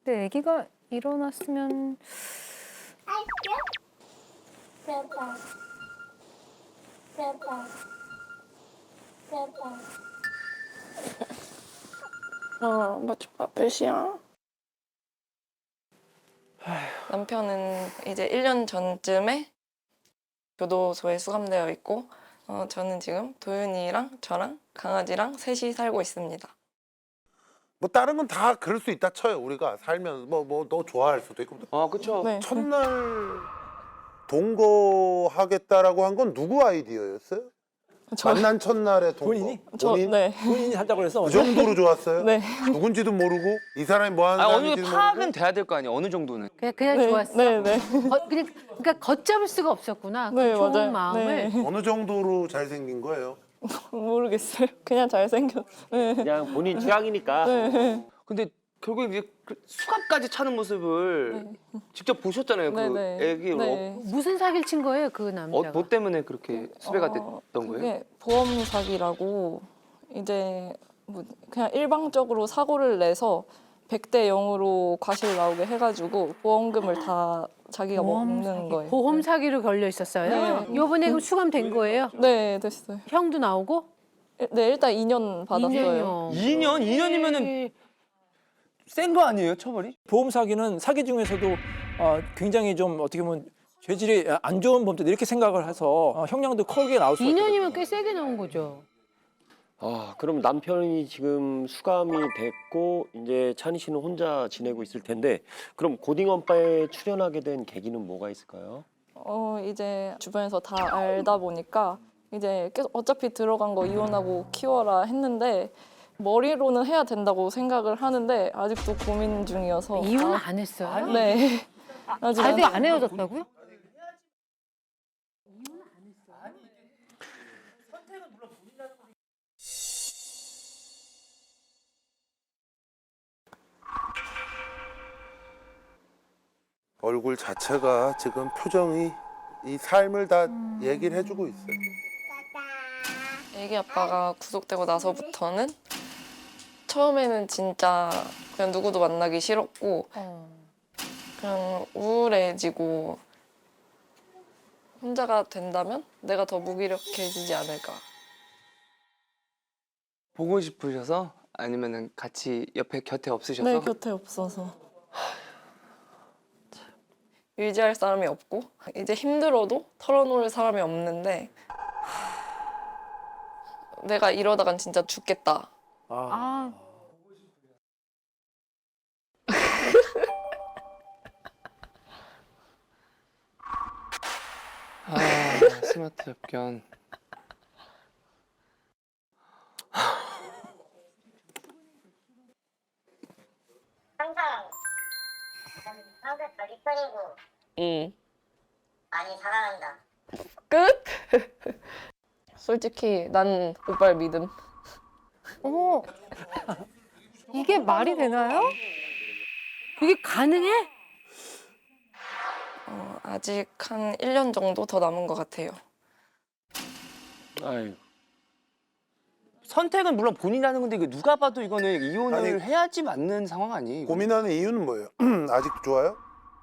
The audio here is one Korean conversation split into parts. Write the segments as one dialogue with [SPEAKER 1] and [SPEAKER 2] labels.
[SPEAKER 1] 근데 아기가 일어났으면
[SPEAKER 2] 몇 시야? 남편은 이제 1년 전쯤에 교도소에 수감되어 있고 저는 지금 도윤이랑 저랑 강아지랑 셋이 살고 있습니다.
[SPEAKER 3] 뭐 다른 건 다 그럴 수 있다 쳐요. 우리가 살면 뭐 너 좋아할 수도 있고.
[SPEAKER 4] 아, 그쵸.
[SPEAKER 2] 네.
[SPEAKER 3] 첫날 동거하겠다라고 한 건 누구 아이디어였어요? 만난 첫날에 동거.
[SPEAKER 4] 본인이?
[SPEAKER 3] 본인?
[SPEAKER 2] 네.
[SPEAKER 4] 본인이 한다고 그래서
[SPEAKER 3] 그 정도로 좋았어요?
[SPEAKER 2] 네.
[SPEAKER 3] 누군지도 모르고 이 사람이 뭐 하는
[SPEAKER 5] 아, 어느
[SPEAKER 3] 사람인지도
[SPEAKER 5] 정도 파악은
[SPEAKER 3] 모르고.
[SPEAKER 5] 돼야 될 거 아니에요. 어느 정도는.
[SPEAKER 1] 그냥
[SPEAKER 2] 네,
[SPEAKER 1] 좋았어.
[SPEAKER 2] 네, 네.
[SPEAKER 1] 그러니까 걷잡을 수가 없었구나. 그
[SPEAKER 2] 네,
[SPEAKER 1] 좋은
[SPEAKER 2] 맞아요.
[SPEAKER 1] 마음을.
[SPEAKER 2] 네.
[SPEAKER 3] 어느 정도로 잘생긴 거예요?
[SPEAKER 2] 모르겠어요. 그냥 잘생겼. 네.
[SPEAKER 4] 그냥 본인 취향이니까.
[SPEAKER 5] 근데 결국 이제 그 수갑까지 차는 모습을 직접 보셨잖아요.
[SPEAKER 2] 네,
[SPEAKER 5] 그
[SPEAKER 2] 네.
[SPEAKER 5] 애기
[SPEAKER 2] 네.
[SPEAKER 1] 무슨 사기를 친 거예요, 그 남자가?
[SPEAKER 5] 뭐 때문에 그렇게 수배가 됐던 거예요?
[SPEAKER 2] 그게 보험 사기라고 이제 뭐 그냥 일방적으로 사고를 내서 100대 0으로 과실 나오게 해가지고 보험금을 다 자기가 먹는 거예요.
[SPEAKER 1] 보험 사기로 걸려 있었어요?
[SPEAKER 2] 네.
[SPEAKER 1] 요번에 그럼 수감된 거예요?
[SPEAKER 2] 네, 됐어요.
[SPEAKER 1] 형도 나오고?
[SPEAKER 2] 네, 일단 2년 받았어요.
[SPEAKER 5] 2년? 2년이면은 센 거 아니에요, 처벌이?
[SPEAKER 4] 보험 사기는 사기 중에서도 굉장히 좀 어떻게 보면 죄질이 안 좋은 범죄다 이렇게 생각을 해서 형량도 크게 나올 수
[SPEAKER 1] 2년이면 꽤 세게 나온 거죠.
[SPEAKER 6] 아, 그럼 남편이 지금 수감이 됐고 이제 찬희 씨는 혼자 지내고 있을 텐데 그럼 고딩엄빠에 출연하게 된 계기는 뭐가 있을까요?
[SPEAKER 2] 이제 주변에서 다 알다 보니까 이제 계속 어차피 들어간 거 이혼하고 키워라 했는데 머리로는 해야 된다고 생각을 하는데 아직도 고민 중이어서
[SPEAKER 1] 이혼 안 했어요?
[SPEAKER 2] 네. 아직
[SPEAKER 1] 아직 안 헤어졌다고요?
[SPEAKER 3] 얼굴 자체가 지금 표정이 이 삶을 다 얘기를 해주고 있어요.
[SPEAKER 2] 애기 아빠가 구속되고 나서부터는 처음에는 진짜 그냥 누구도 만나기 싫었고 그냥 우울해지고 혼자가 된다면 내가 더 무기력해지지 않을까.
[SPEAKER 5] 보고 싶으셔서? 아니면은 같이 옆에 곁에 없으셔서?
[SPEAKER 2] 네, 곁에 없어서. 의지할 사람이 없고 이제 힘들어도 털어놓을 사람이 없는데 내가 이러다간 진짜 죽겠다.
[SPEAKER 1] 아,
[SPEAKER 5] 아, 스마트 접견.
[SPEAKER 7] 항상 리퍼리고
[SPEAKER 2] 응.
[SPEAKER 7] 많이 사랑한다.
[SPEAKER 2] 끝? 솔직히 난 오빠를 믿음.
[SPEAKER 1] 어머. 이게 말이 되나요? 이게 가능해?
[SPEAKER 2] 아직 한 1년 정도 더 남은 것 같아요.
[SPEAKER 6] 아유,
[SPEAKER 5] 선택은 물론 본인이 하는 건데 이거 누가 봐도 이거는 이혼을
[SPEAKER 3] 아니,
[SPEAKER 5] 해야지 맞는 상황 아니에요? 이거?
[SPEAKER 3] 고민하는 이유는 뭐예요? 아직도 좋아요?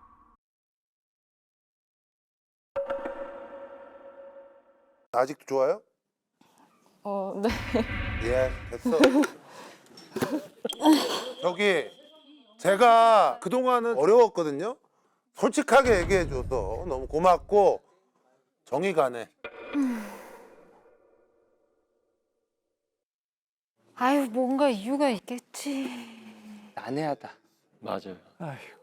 [SPEAKER 3] 아직도 좋아요?
[SPEAKER 2] 네.
[SPEAKER 3] 예, 됐어. 저기 제가 그동안은 어려웠거든요. 솔직하게 얘기해줘서 너무 고맙고 정이 가네.
[SPEAKER 1] 아유, 뭔가 이유가 있겠지.
[SPEAKER 5] 난해하다.
[SPEAKER 6] 맞아요.
[SPEAKER 4] 아이고.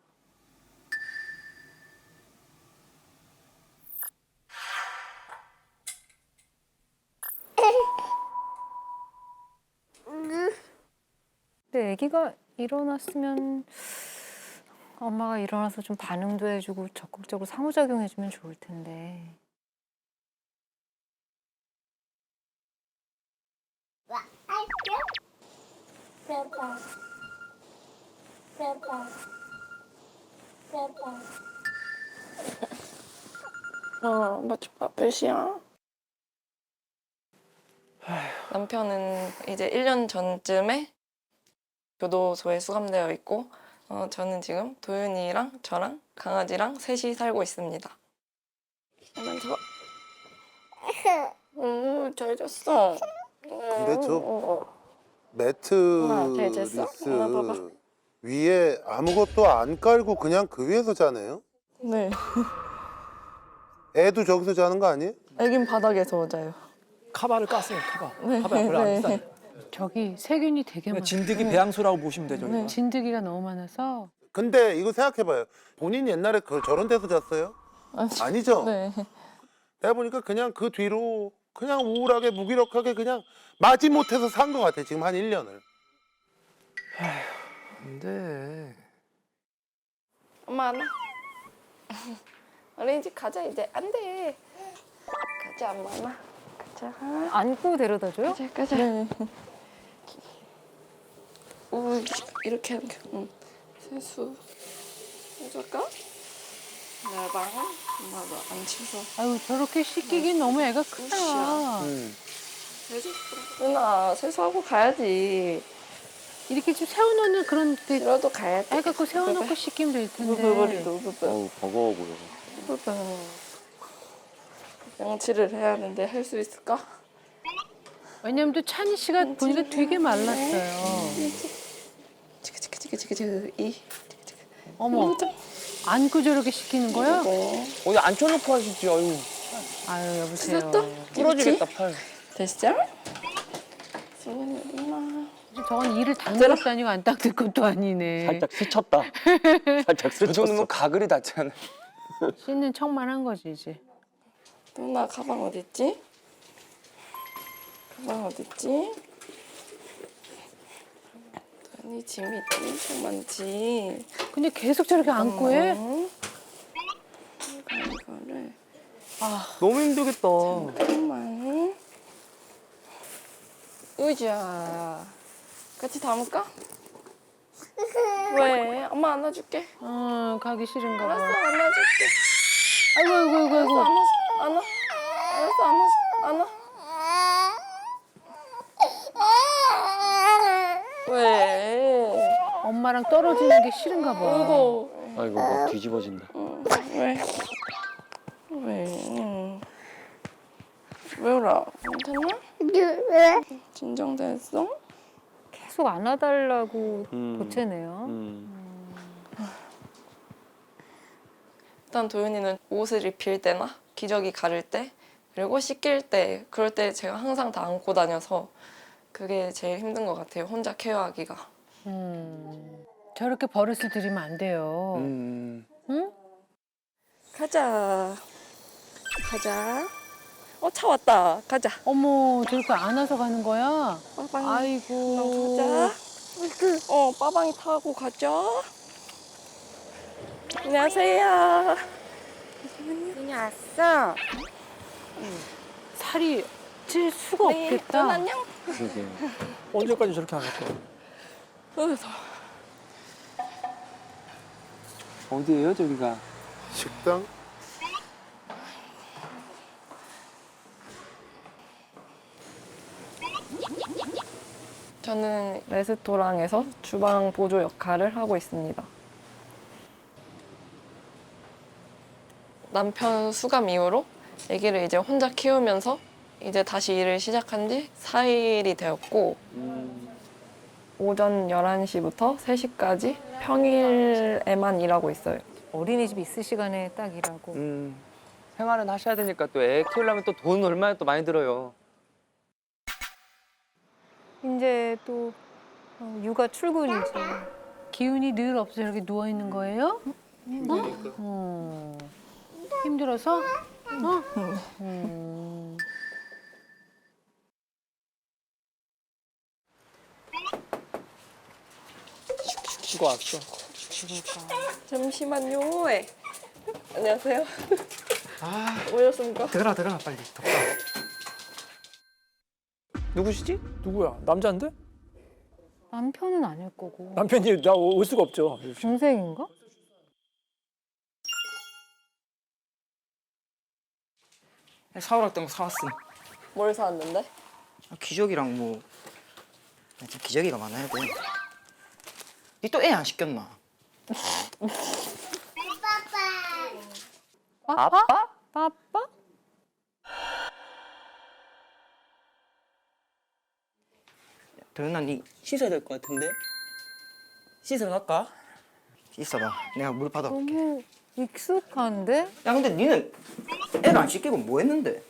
[SPEAKER 1] 근데 아기가 일어났으면 엄마가 일어나서 좀 반응도 해주고 적극적으로 상호작용해주면 좋을 텐데.
[SPEAKER 2] 몇 시야? 남편은 이제 1년 전쯤에 교도소에 수감되어 있고 저는 지금 도윤이랑 저랑 강아지랑 셋이 살고 있습니다. 한번 더. 잘 잤어.
[SPEAKER 3] 근데 저
[SPEAKER 2] 엄마, 잘 잤어?
[SPEAKER 3] 매트리스
[SPEAKER 2] 엄마 봐봐.
[SPEAKER 3] 위에 아무것도 안 깔고 그냥 그 위에서 자네요?
[SPEAKER 2] 네.
[SPEAKER 3] 애도 저기서 자는 거 아니에요?
[SPEAKER 2] 애긴 바닥에서 자요.
[SPEAKER 4] 카바를 깠어요. 카바.
[SPEAKER 2] 네,
[SPEAKER 4] 카바 별로 안
[SPEAKER 2] 네.
[SPEAKER 4] 비싸요.
[SPEAKER 1] 저기 세균이 되게 많아.
[SPEAKER 4] 진드기 배양소라고 보시면 되죠. 이거.
[SPEAKER 1] 진드기가 너무 많아서
[SPEAKER 3] 근데 이거 생각해봐요. 본인 옛날에 저런 데서 잤어요? 아니죠?
[SPEAKER 2] 네.
[SPEAKER 3] 내가 보니까 그냥 그 뒤로 그냥 우울하게 무기력하게 그냥 마지못해서 산 것 같아. 지금 한 1년을.
[SPEAKER 5] 근데
[SPEAKER 2] 엄마 안 와? 어린이집 가자 이제. 안 돼. 가자 엄마 안 와. 가자.
[SPEAKER 1] 안고 데려다 줘요?
[SPEAKER 2] 가자. 네. 오 이렇게 하는 게. 세수. 해줄까? 나방 엄마도 안 치서.
[SPEAKER 1] 아유 저렇게 씻기긴 너무 애가 크다.
[SPEAKER 2] 세수. 누나 세수하고 가야지.
[SPEAKER 1] 이렇게 좀 세워놓는 그런 데
[SPEAKER 2] 이러도 가야 돼.
[SPEAKER 1] 애 갖고 세워놓고 씻기면 될 텐데.
[SPEAKER 2] 부부부리도
[SPEAKER 6] 어우, 버거워 보여.
[SPEAKER 2] 부부. 양치를 해야 하는데 할 수 있을까?
[SPEAKER 1] 왜냐면 또 찬희 씨가 보니까 되게 말랐어요.
[SPEAKER 2] 치크치크치크치크 이.
[SPEAKER 1] 어머, 안고 저렇게 씻기는 거야?
[SPEAKER 5] 어디 앉혀놓고 하시지. 아유
[SPEAKER 1] 아유 여보세요.
[SPEAKER 5] 부러지겠다 팔.
[SPEAKER 2] 됐어? 승현이 엄마.
[SPEAKER 1] 저건 이를 닦는 것도 아니고 안 닦을 것도 아니네.
[SPEAKER 6] 살짝 스쳤다. 살짝
[SPEAKER 5] 그 정도면
[SPEAKER 6] 스쳤어.
[SPEAKER 5] 가글이 닿잖아.
[SPEAKER 1] 씻는 척만 한 거지 이제.
[SPEAKER 2] 누나 가방 어딨지? 가방 어딨지? 아니 짐이 엄청 많지.
[SPEAKER 1] 근데 계속 저렇게 안고 해?
[SPEAKER 2] 이거를
[SPEAKER 5] 너무 힘들겠다.
[SPEAKER 2] 잠깐만. 의자 같이 담을까? 왜? 엄마 안아줄게.
[SPEAKER 1] 가기 싫은가 봐.
[SPEAKER 2] 알았어 안아줄게.
[SPEAKER 1] 아이고 아이고 아이고 아이고.
[SPEAKER 2] 안아. 알았어 안아. 왜?
[SPEAKER 1] 엄마랑 떨어지는 게 싫은가 봐.
[SPEAKER 2] 아이고.
[SPEAKER 6] 아이고, 막 뒤집어진다.
[SPEAKER 2] 왜? 왜? 왜 울어? 괜찮아? 진정됐어?
[SPEAKER 1] 계속 안아달라고
[SPEAKER 6] 음.
[SPEAKER 1] 보채네요.
[SPEAKER 2] 일단 도윤이는 옷을 입힐 때나 기저귀 가를 때 그리고 씻길 때 그럴 때 제가 항상 다 안고 다녀서 그게 제일 힘든 것 같아요. 혼자 케어하기가.
[SPEAKER 1] 저렇게 버릇을 들이면 안 돼요.
[SPEAKER 5] 음.
[SPEAKER 1] 응?
[SPEAKER 2] 가자. 차 왔다. 가자.
[SPEAKER 1] 어머 저렇게 안아서 가는 거야?
[SPEAKER 2] 빠방이.
[SPEAKER 1] 아이고.
[SPEAKER 2] 가자. 빠방이 타고 가자. 안녕하세요.
[SPEAKER 7] 윤이 왔어?
[SPEAKER 1] 살이 찔 수가 없겠다.
[SPEAKER 2] 네, 안녕.
[SPEAKER 6] 그러게.
[SPEAKER 4] 언제까지 저렇게 안 할 거야?
[SPEAKER 5] 어디예요 저기가?
[SPEAKER 3] 식당?
[SPEAKER 2] 저는 레스토랑에서 주방 보조 역할을 하고 있습니다. 남편 수감 이후로 아기를 이제 혼자 키우면서 이제 다시 일을 시작한 지 4일이 되었고 오전 11시부터 3시까지 평일에만 일하고 있어요.
[SPEAKER 1] 어린이집 있을 시간에 딱 일하고.
[SPEAKER 5] 생활은 하셔야 되니까 또 애 키우려면 또 돈 얼마나 또 많이 들어요.
[SPEAKER 1] 이제 또 육아 출근이지. 기운이 늘 없어 저렇게 누워 있는 거예요? 힘들어서?
[SPEAKER 4] 이거 왔어.
[SPEAKER 2] 잠시만요. 안녕하세요. 오셨습니까?
[SPEAKER 5] 들어가 빨리. 덥다. 누구시지?
[SPEAKER 4] 누구야? 남자인데?
[SPEAKER 1] 남편은 아닐 거고.
[SPEAKER 4] 남편이 나 올 수가 없죠.
[SPEAKER 1] 중생인가?
[SPEAKER 8] 사오라 던 거 사왔음.
[SPEAKER 2] 뭘 사왔는데?
[SPEAKER 8] 기저귀랑 뭐. 나 지금 기저귀가 많아야 돼. 니 또 애 안 시켰나?
[SPEAKER 1] 아빠? 아빠?
[SPEAKER 8] 도현아, 니 씻어야 될 것 같은데? 씻으러 갈까? 씻어봐. 내가 물 받아올게.
[SPEAKER 1] 너무 익숙한데?
[SPEAKER 8] 야, 근데 니는 애를 안 씻기고 뭐 했는데?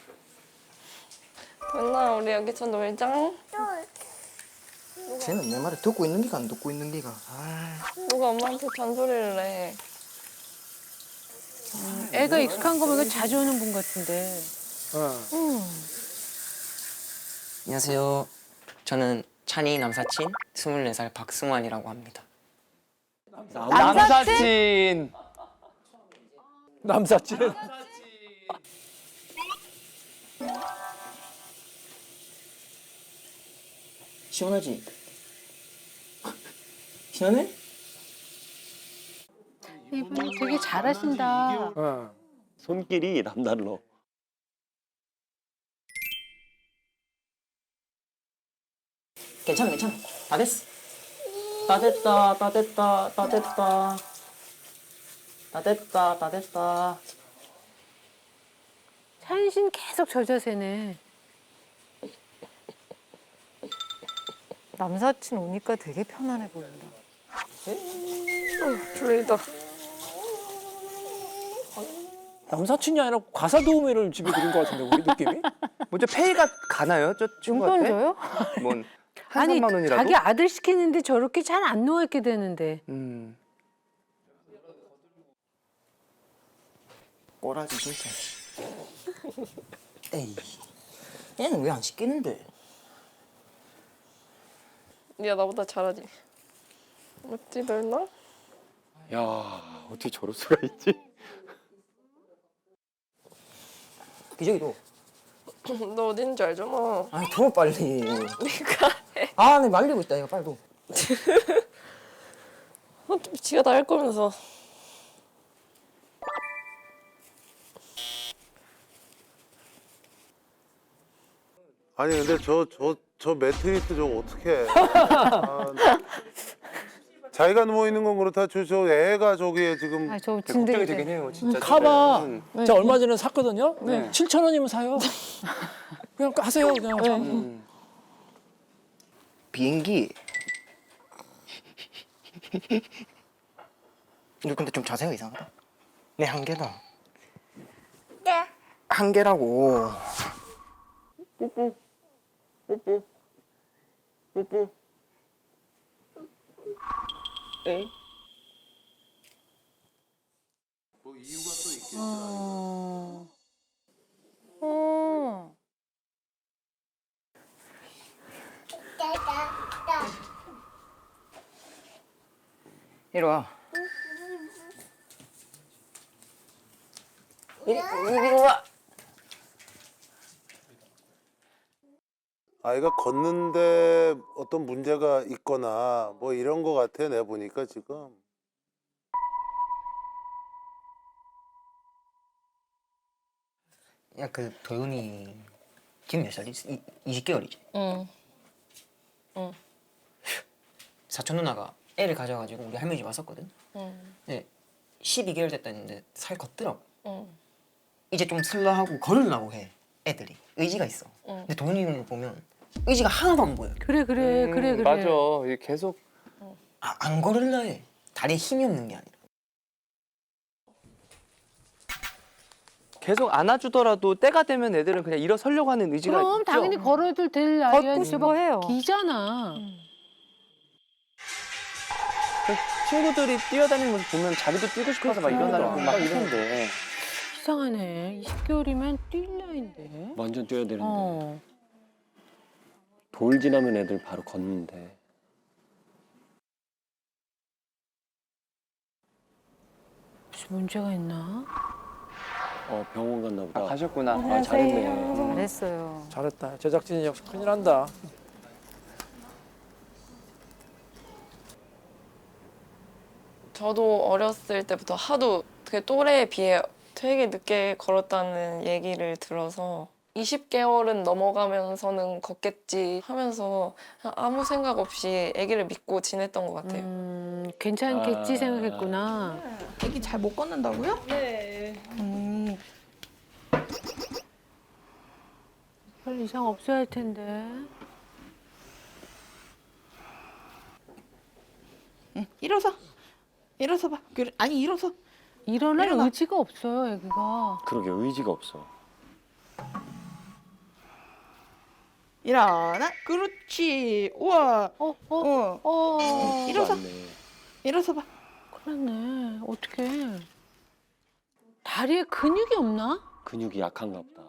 [SPEAKER 2] 맨날 우리 여기서 놀자.
[SPEAKER 8] 쟤는 내 말을 듣고 있는 기가 안 듣고 있는 기가.
[SPEAKER 2] 누가 엄마한테 잔소리를 해.
[SPEAKER 9] 애가 익숙한 거 보니까 자주 오는 분 같은데.
[SPEAKER 8] 안녕하세요. 저는 찬이 남사친 24살 박승환이라고 합니다.
[SPEAKER 5] 남사친.
[SPEAKER 4] 남사친.
[SPEAKER 8] 시원하지? 시원해?
[SPEAKER 9] 이분 되게 잘하신다.
[SPEAKER 4] 어.
[SPEAKER 6] 손길이 남달러.
[SPEAKER 8] 괜찮아, 괜찮아. 다 됐어. 다 됐다, 다 됐다, 다 됐다. 다 됐다, 다 됐다.
[SPEAKER 9] 찬신 계속 저 자세네.
[SPEAKER 1] 남사친 오니까 되게 편안해 보인다.
[SPEAKER 2] 졸리다.
[SPEAKER 4] 남사친이 아니라 과사 도우미를 집에 들인 것 같은데 우리 느낌이?
[SPEAKER 5] 먼저 페이가 가나요? 저
[SPEAKER 1] 용돈
[SPEAKER 5] 친구한테?
[SPEAKER 1] 줘요?
[SPEAKER 5] 뭔 한
[SPEAKER 9] 아니
[SPEAKER 5] 3만 원이라도?
[SPEAKER 9] 자기 아들 시키는데 저렇게 잘 안 누워있게 되는데.
[SPEAKER 8] 꼬라지 진짜. 에이, 얘는 왜 안 시키는데?
[SPEAKER 2] 니가 나보다 잘하지. 맞지, 널나?
[SPEAKER 6] 야, 어떻게 저럴 수가 있지?
[SPEAKER 8] 기저귀도.
[SPEAKER 2] 너 어디 있는지 알잖아.
[SPEAKER 8] 아니, 더 빨리.
[SPEAKER 2] 니가 해.
[SPEAKER 8] 아, 내 말리고 있다. 이거 빨리 도.
[SPEAKER 2] 어차피 지가 다 할 거면서.
[SPEAKER 3] 아니 근데 저 매트리스 저거 어떻게 해? 아, 자기가 누워 있는 건 그렇다 저 애가 저기에 지금
[SPEAKER 1] 아, 저
[SPEAKER 5] 걱정이
[SPEAKER 1] 진짜
[SPEAKER 5] 되긴 해요, 진짜.
[SPEAKER 4] 카바.
[SPEAKER 5] 저때는.
[SPEAKER 4] 저 얼마 전에 샀거든요.
[SPEAKER 5] 네.
[SPEAKER 4] 7,000원이면 사요. 그냥 하세요. 그냥.
[SPEAKER 8] 비행기. 이거 근데 좀 자세가 이상하다. 내 한계다.
[SPEAKER 7] 네.
[SPEAKER 8] 한계라고.
[SPEAKER 1] 어.
[SPEAKER 8] 이리 와. 이리 와.
[SPEAKER 3] 아이가 걷는데 어떤 문제가 있거나 뭐 이런 거 같아 내가 보니까 지금.
[SPEAKER 8] 야, 그 도윤이 지금 몇 살이지? 20개월이지?
[SPEAKER 2] 응.
[SPEAKER 8] 사촌 누나가 애를 가져가지고 우리 할머니 집 왔었거든.
[SPEAKER 2] 응.
[SPEAKER 8] 근데 12개월 됐다 했는데 살 걷더라고.
[SPEAKER 2] 응.
[SPEAKER 8] 이제 좀 슬라하고 걸으려고 해. 애들이 의지가 있어.
[SPEAKER 2] 응.
[SPEAKER 8] 근데 도윤이는 보면 의지가 하나도 안 보여.
[SPEAKER 9] 그래 그래 그래 그래.
[SPEAKER 5] 맞아. 이게 계속
[SPEAKER 8] 안 걸으려 해. 다리에 힘이 없는 게 아니라.
[SPEAKER 5] 계속 안아주더라도 때가 되면 애들은 그냥 일어서려고 하는 의지가
[SPEAKER 9] 그럼
[SPEAKER 5] 있죠.
[SPEAKER 9] 당연히 걸어도 될 나이야.
[SPEAKER 1] 걷고 싶어 해요.
[SPEAKER 9] 기잖아.
[SPEAKER 5] 친구들이 뛰어다니는 모습 보면 자기도 뛰고 싶어서 막 일어나려고 막 이러는데.
[SPEAKER 9] 이상하네. 20개월이면 뛸 나이인데.
[SPEAKER 6] 완전 뛰어야 되는데.
[SPEAKER 9] 어.
[SPEAKER 6] 돌 지나면 애들 바로 걷는데.
[SPEAKER 9] 무슨 문제가 있나?
[SPEAKER 6] 병원 갔나 보다.
[SPEAKER 5] 가셨구나.
[SPEAKER 6] 아, 잘했네.
[SPEAKER 1] 잘했어요.
[SPEAKER 4] 잘했다. 제작진이 역시 큰일 난다.
[SPEAKER 2] 저도 어렸을 때부터 하도 그 또래에 비해 되게 늦게 걸었다는 얘기를 들어서 20개월은 넘어가면서는 걷겠지 하면서 그냥 아무 생각 없이 아기를 믿고 지냈던 것 같아요.
[SPEAKER 9] 괜찮겠지 생각했구나.
[SPEAKER 10] 애기 잘 못 걷는다고요?
[SPEAKER 2] 네.
[SPEAKER 9] 별 이상 없어야 할 텐데.
[SPEAKER 10] 응, 일어서. 일어서 봐. 그래, 아니 일어서.
[SPEAKER 9] 일어날
[SPEAKER 10] 일어나.
[SPEAKER 9] 의지가 없어요, 애기가.
[SPEAKER 6] 그러게 의지가 없어.
[SPEAKER 10] 일어나. 그렇지. 우와. 일어서.
[SPEAKER 6] 맞네.
[SPEAKER 10] 일어서 봐.
[SPEAKER 9] 큰일 났네. 어떡해. 다리에 근육이 없나?
[SPEAKER 6] 근육이 약한가 보다.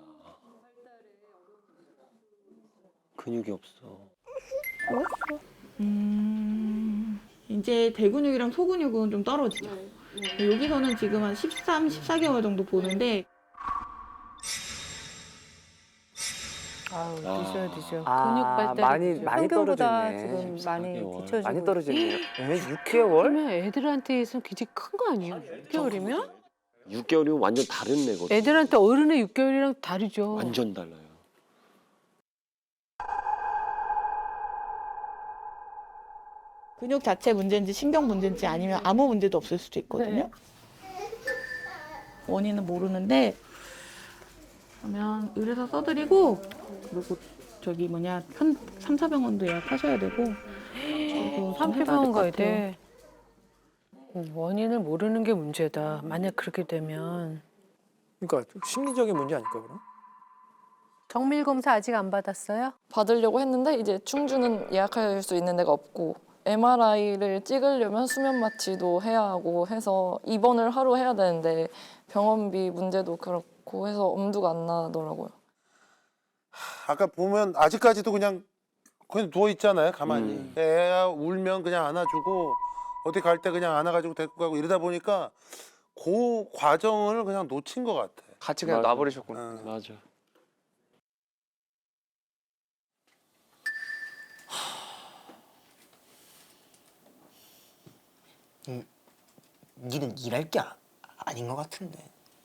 [SPEAKER 6] 근육이 없어.
[SPEAKER 10] 이제 대근육이랑 소근육은 좀 떨어지죠. 여기서는 지금 한 13, 14개월 정도 보는데
[SPEAKER 1] 아유, 늦어요, 늦어.
[SPEAKER 9] 근육 발달이 늦어.
[SPEAKER 1] 평균보다
[SPEAKER 5] 떨어졌네.
[SPEAKER 1] 지금 많이
[SPEAKER 6] 14개월.
[SPEAKER 1] 뒤처지고
[SPEAKER 5] 많이
[SPEAKER 1] 있어요.
[SPEAKER 5] 떨어졌네요. 6개월?
[SPEAKER 9] 그러면 애들한테 있으면 굉장히 큰 거 아니에요? 6개월이면?
[SPEAKER 6] 6개월이면 완전 다른 애거든.
[SPEAKER 9] 애들한테 어른의 6개월이랑 다르죠.
[SPEAKER 6] 완전 달라요.
[SPEAKER 10] 근육 자체 문제인지 신경 문제인지 아니면 아무 문제도 없을 수도 있거든요. 원인은 모르는데 그러면 의뢰서 써드리고 그리고 저기 뭐냐 3, 4병원도 예약하셔야 되고 그리고 좀
[SPEAKER 9] 산피병원
[SPEAKER 10] 해봐야
[SPEAKER 9] 가야
[SPEAKER 10] 될것 같아요.
[SPEAKER 9] 돼. 원인을 모르는 게 문제다. 만약 그렇게 되면.
[SPEAKER 4] 그러니까 좀 심리적인 문제 아닐까 그럼?
[SPEAKER 1] 정밀 검사 아직 안 받았어요?
[SPEAKER 2] 받으려고 했는데 이제 충주는 예약할 수 있는 데가 없고 MRI를 찍으려면 수면 마취도 해야 하고 해서 입원을 하루 해야 되는데 병원비 문제도 그렇고 해서 엄두가 안 나더라고요.
[SPEAKER 3] 아까 보면 아직까지도 그냥 누워 있잖아요, 가만히. 애가 울면 그냥 안아주고 어디 갈 때 그냥 안아가지고 데리고 가고 이러다 보니까 그 과정을 그냥 놓친 것 같아.
[SPEAKER 5] 같이 그냥
[SPEAKER 6] 맞아.
[SPEAKER 5] 놔버리셨구나.
[SPEAKER 3] 응.
[SPEAKER 6] 맞아.
[SPEAKER 8] 니는 일할 게 아닌 것 같은데.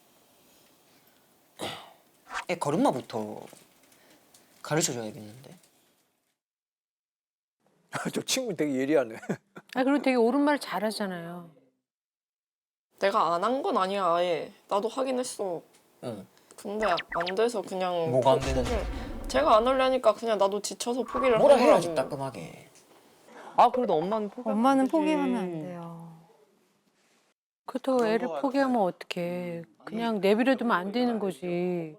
[SPEAKER 8] 애 걸음마부터 가르쳐줘야겠는데.
[SPEAKER 4] 저 친구 되게 예리하네.
[SPEAKER 9] 아, 그리고 되게 옳은 말 잘하잖아요.
[SPEAKER 2] 내가 안 한 건 아니야 아예. 나도 하긴 했어.
[SPEAKER 8] 응.
[SPEAKER 2] 근데 안 돼서 그냥
[SPEAKER 8] 뭐가 안
[SPEAKER 2] 포-
[SPEAKER 8] 되는데?
[SPEAKER 2] 포기를- 제가 안 하려니까 그냥 나도 지쳐서 포기를
[SPEAKER 8] 뭐라
[SPEAKER 2] 하더라고요.
[SPEAKER 8] 해야지 따끔하게.
[SPEAKER 5] 아 그래도 엄마는
[SPEAKER 1] 엄마는 포기하면 안 돼요.
[SPEAKER 9] 그렇다고
[SPEAKER 3] 그런
[SPEAKER 9] 애를
[SPEAKER 3] 것 같아.
[SPEAKER 9] 포기하면 어떡해. 그냥 내버려두면 안 되는 거지.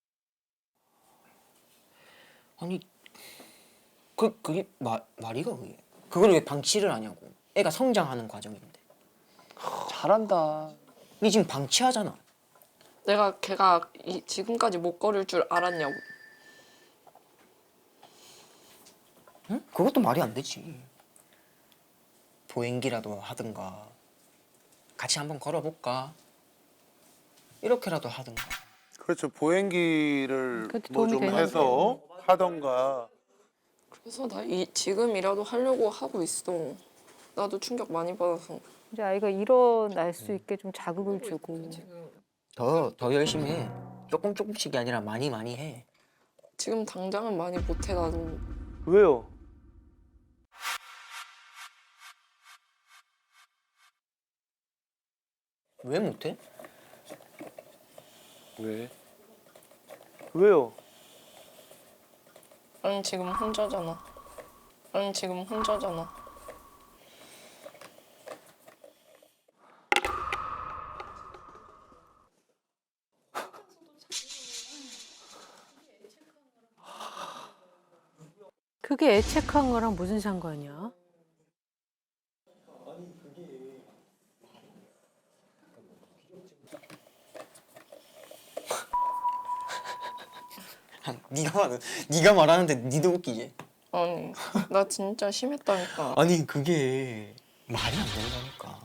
[SPEAKER 8] 아니 그게 말이가 그게. 그걸 왜 방치를 하냐고. 애가 성장하는 과정인데.
[SPEAKER 5] 잘한다.
[SPEAKER 8] 니 지금 방치하잖아.
[SPEAKER 2] 내가 걔가 지금까지 못 걸을 줄 알았냐고.
[SPEAKER 8] 응? 그것도 말이 안 되지. 보행기라도 하든가 같이 한번 걸어볼까? 이렇게라도 하든가.
[SPEAKER 3] 그렇죠. 보행기를
[SPEAKER 1] 그것도
[SPEAKER 3] 뭐
[SPEAKER 1] 도움이
[SPEAKER 3] 좀
[SPEAKER 1] 되는데.
[SPEAKER 3] 해서 하던가.
[SPEAKER 2] 그래서 나 지금이라도 하려고 하고 있어. 나도 충격 많이 받아서.
[SPEAKER 1] 이제 아이가 일어날 수 있게 좀 자극을 주고.
[SPEAKER 8] 더 열심히 해. 조금씩이 아니라 많이 해.
[SPEAKER 2] 지금 당장은 많이 못해 나도.
[SPEAKER 5] 왜요?
[SPEAKER 8] 왜 못해?
[SPEAKER 6] 왜?
[SPEAKER 5] 왜요?
[SPEAKER 2] 아니 지금 혼자잖아. 아니 지금 혼자잖아.
[SPEAKER 9] 그게 애착한 거랑 무슨 상관이야?
[SPEAKER 8] 네가 말하는데 니도 웃기지.
[SPEAKER 2] 아니 나 진짜 심했다니까.
[SPEAKER 8] 아니 그게 말이 안 된다니까.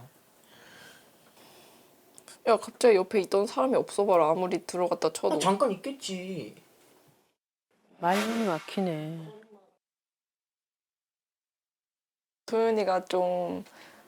[SPEAKER 2] 야 갑자기 옆에 있던 사람이 없어봐라. 아무리 들어갔다 쳐도.
[SPEAKER 8] 잠깐 있겠지.
[SPEAKER 9] 말문이 막히네.
[SPEAKER 2] 도윤이가 좀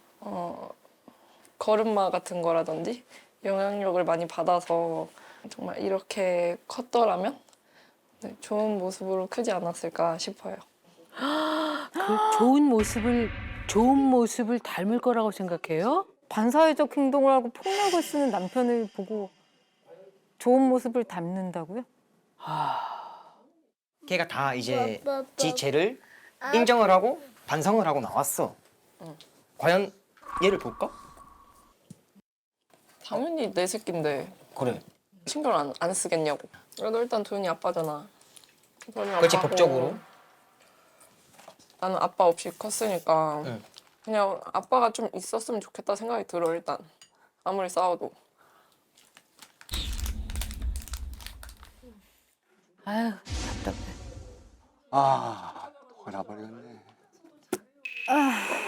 [SPEAKER 2] 걸음마 같은 거라든지 영향력을 많이 받아서 정말 이렇게 컸더라면 네, 좋은 모습으로 크지 않았을까 싶어요.
[SPEAKER 9] 그 좋은 모습을 좋은 모습을 닮을 거라고 생각해요?
[SPEAKER 1] 반사회적 행동을 하고 폭력을 쓰는 남편을 보고 좋은 모습을 닮는다고요?
[SPEAKER 8] 걔가 다 이제 지 죄를 인정을 하고 반성을 하고 나왔어. 과연 얘를 볼까?
[SPEAKER 2] 당연히 내 새끼인데
[SPEAKER 8] 그래.
[SPEAKER 2] 신경 안 쓰겠냐고. 그래도 일단 도윤이 아빠잖아. 도윤이
[SPEAKER 8] 그렇지,
[SPEAKER 2] 아빠고
[SPEAKER 8] 법적으로.
[SPEAKER 2] 나는 아빠 없이 컸으니까
[SPEAKER 8] 응.
[SPEAKER 2] 그냥 아빠가 좀 있었으면 좋겠다 생각이 들어 일단. 아무리 싸워도.
[SPEAKER 9] 아유 답답해.
[SPEAKER 5] 아, 돌아버렸네.
[SPEAKER 1] 아,